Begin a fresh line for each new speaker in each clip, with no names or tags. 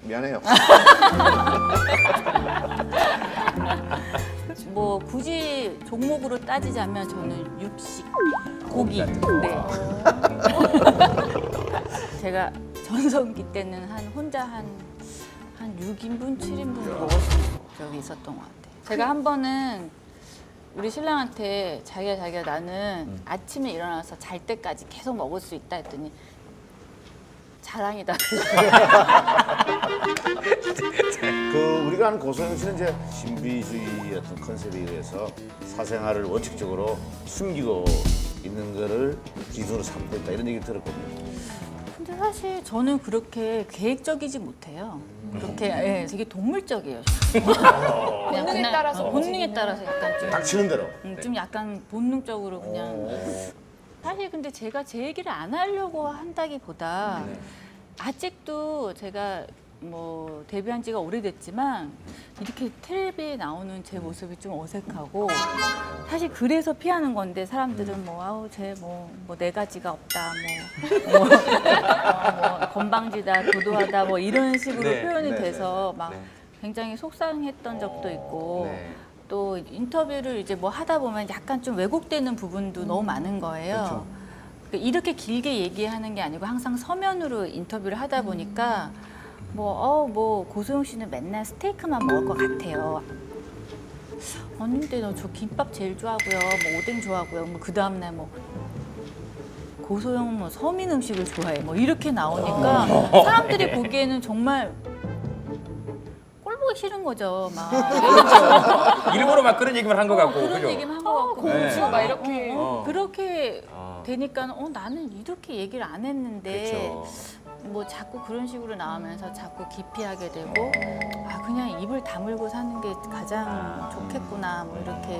미안해요.
뭐 굳이 종목으로 따지자면 저는 육식, 고기. 네. 제가 전성기 때는 혼자 한 6인분, 7인분 먹었던 적이 있었던 것 같아요. 제가 한 번은 우리 신랑한테 자기야 나는 아침에 일어나서 잘 때까지 계속 먹을 수 있다 했더니 자랑이다.
우리가 아는 고소영 씨는 이제 신비주의 어떤 컨셉에 의해서 사생활을 원칙적으로 숨기고 있는 거를 기준으로 삼고 있다 이런 얘기 들었거든요.
근데 사실 저는 그렇게 계획적이지 못해요. 그렇게 되게 동물적이에요. 본능에 따라서 약간 좀
닥치는 대로.
좀 약간 본능적으로 그냥. 사실 근데 제가 제 얘기를 안 하려고 한다기보다 아직도 제가 뭐 데뷔한 지가 오래됐지만 이렇게 텔레비에 나오는 제 모습이 좀 어색하고 사실 그래서 피하는 건데 사람들은 뭐 아우 쟤 뭐 네 가지가 없다 뭐 건방지다 도도하다 뭐 이런 식으로 표현이 돼서 막 굉장히 속상했던 적도 있고 또 인터뷰를 이제 뭐 하다 보면 약간 좀 왜곡되는 부분도 너무 많은 거예요. 그러니까 이렇게 길게 얘기하는 게 아니고 항상 서면으로 인터뷰를 하다 보니까 뭐 고소영 씨는 맨날 스테이크만 먹을 것 같아요. 아닌데 너 저 김밥 제일 좋아하고요. 뭐 오뎅 좋아하고요. 뭐 그 다음 날 뭐 고소영은 뭐 서민 음식을 좋아해. 뭐 이렇게 나오니까 사람들이 보기에는 정말 꼴 보기 싫은 거죠. 막
일부러 막 그런 얘기만 한 것 같고.
그런
그죠?
얘기만 한 것 같고
공주 막 이렇게.
그렇게 되니까 나는 이렇게 얘기를 안 했는데 뭐 자꾸 그런 식으로 나오면서 자꾸 기피하게 되고 그냥 입을 다물고 사는 게 가장 좋겠구나 뭐 이렇게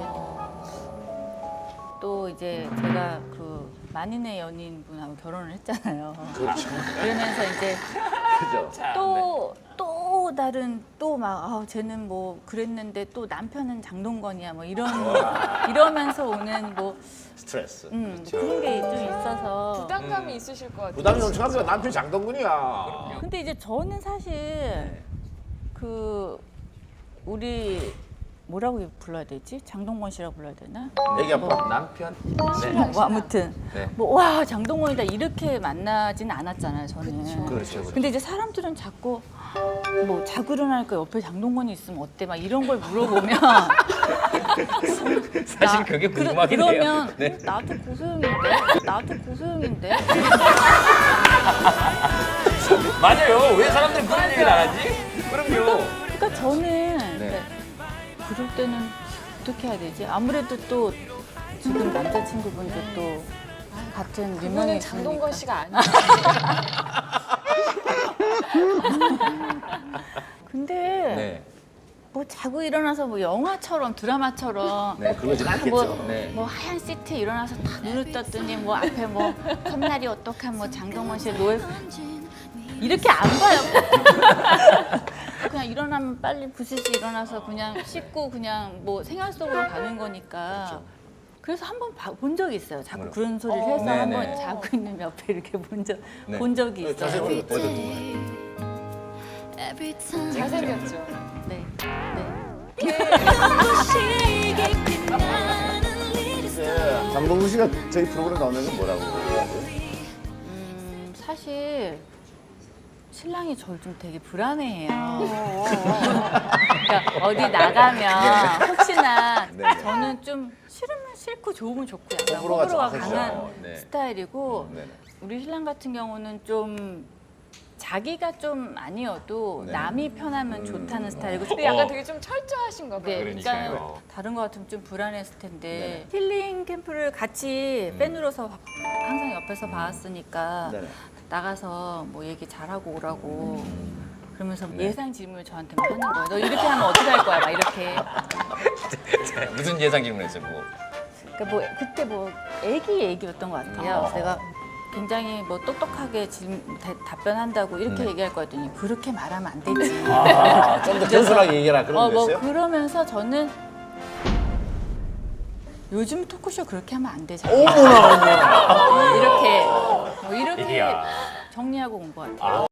또 이제 제가 그 만인의 연인분하고 결혼을 했잖아요.
그렇죠.
그러면서 이제
그죠.
또 다른 또 막 쟤는 뭐 그랬는데 또 남편은 장동건이야 뭐 이러면서 오는 뭐
스트레스.
그런 게 좀 있어서
부담감이 있으실 것 같아요.
부담이 엄청나서 남편이 장동건이야.
근데 이제 저는 사실 그 우리 뭐라고 불러야 되지? 장동건 씨라고 불러야 되나?
애기 아빠.
남편.
뭐 아무튼
네.
뭐 와 장동건이다 이렇게 만나지는 않았잖아요 저는.
그렇죠.
근데 이제 사람들은 자꾸 뭐 자고 일어나니까 옆에 장동건이 있으면 어때? 막 이런 걸 물어보면
사실 그게 궁금하긴 해요.
그러면
네.
나도 고소영인데
맞아요. 왜 사람들이 그런 얘기를 안 하지? 그럼요.
그러니까 저는 그럴 때는 어떻게 해야 되지? 아무래도 또 지금 남자친구분도 또 같은 유명이
그분은
있으니까.
장동건 씨가 아니에요.
근데 뭐 자고 일어나서 뭐 영화처럼 드라마처럼
그러진 않겠죠.
뭐 하얀 시트에 일어나서 다 눈을 떴더니 뭐 앞에 뭐 컵날이 어떡한 뭐 장동건 씨의 노예 이렇게 안 봐요. 그냥 일어나면 빨리 부시시 일어나서 그냥 씻고 그냥 뭐 생활 속으로 가는 거니까. 그래서 한 번 본 적이 있어요. 자꾸 그런 소리를 해서
네네.
한 번 자고 있는 옆에 이렇게 본 적이 있어요.
자세히 보여줬던
잘생겼죠.
네.
거예요. 장동건 씨가 저희 프로그램 나오면 뭐라고?
사실 신랑이 저를 좀 되게 불안해해요. 그러니까 어디 나가면 혹시나 저는 좀 싫으면 싫고 좋으면 좋고 약간
호불호가
호불호가
정확하죠.
강한
네.
스타일이고
네네.
우리 신랑 같은 경우는 좀 자기가 좀 아니어도 남이 편하면 좋다는 스타일이고
근데 약간 되게 좀 철저하신가 봐요.
네,
그러니까요.
그러니까 다른 거 같으면 좀 불안했을 텐데 힐링 캠프를 같이 팬으로서 항상 옆에서 봐왔으니까
네네.
나가서 뭐 얘기 잘하고 오라고 그러면서 예상 질문을 저한테 막 하는 거예요. 너 이렇게 하면 어떻게 할 거야? 막 이렇게.
무슨 예상 질문했어요? 뭐.
그러니까 뭐 그때 뭐 애기였던 것 같아요. 내가 굉장히 뭐 똑똑하게 답변한다고 이렇게 얘기할 거였더니 그렇게 말하면 안 되지.
좀 더 겸손하게 얘기해라 그런
뭐
거였어요?
그러면서 저는 요즘 토크쇼 그렇게 하면 안 되잖아.
어머나.
이렇게 뭐 이렇게
이야.
정리하고 온 것 같아요.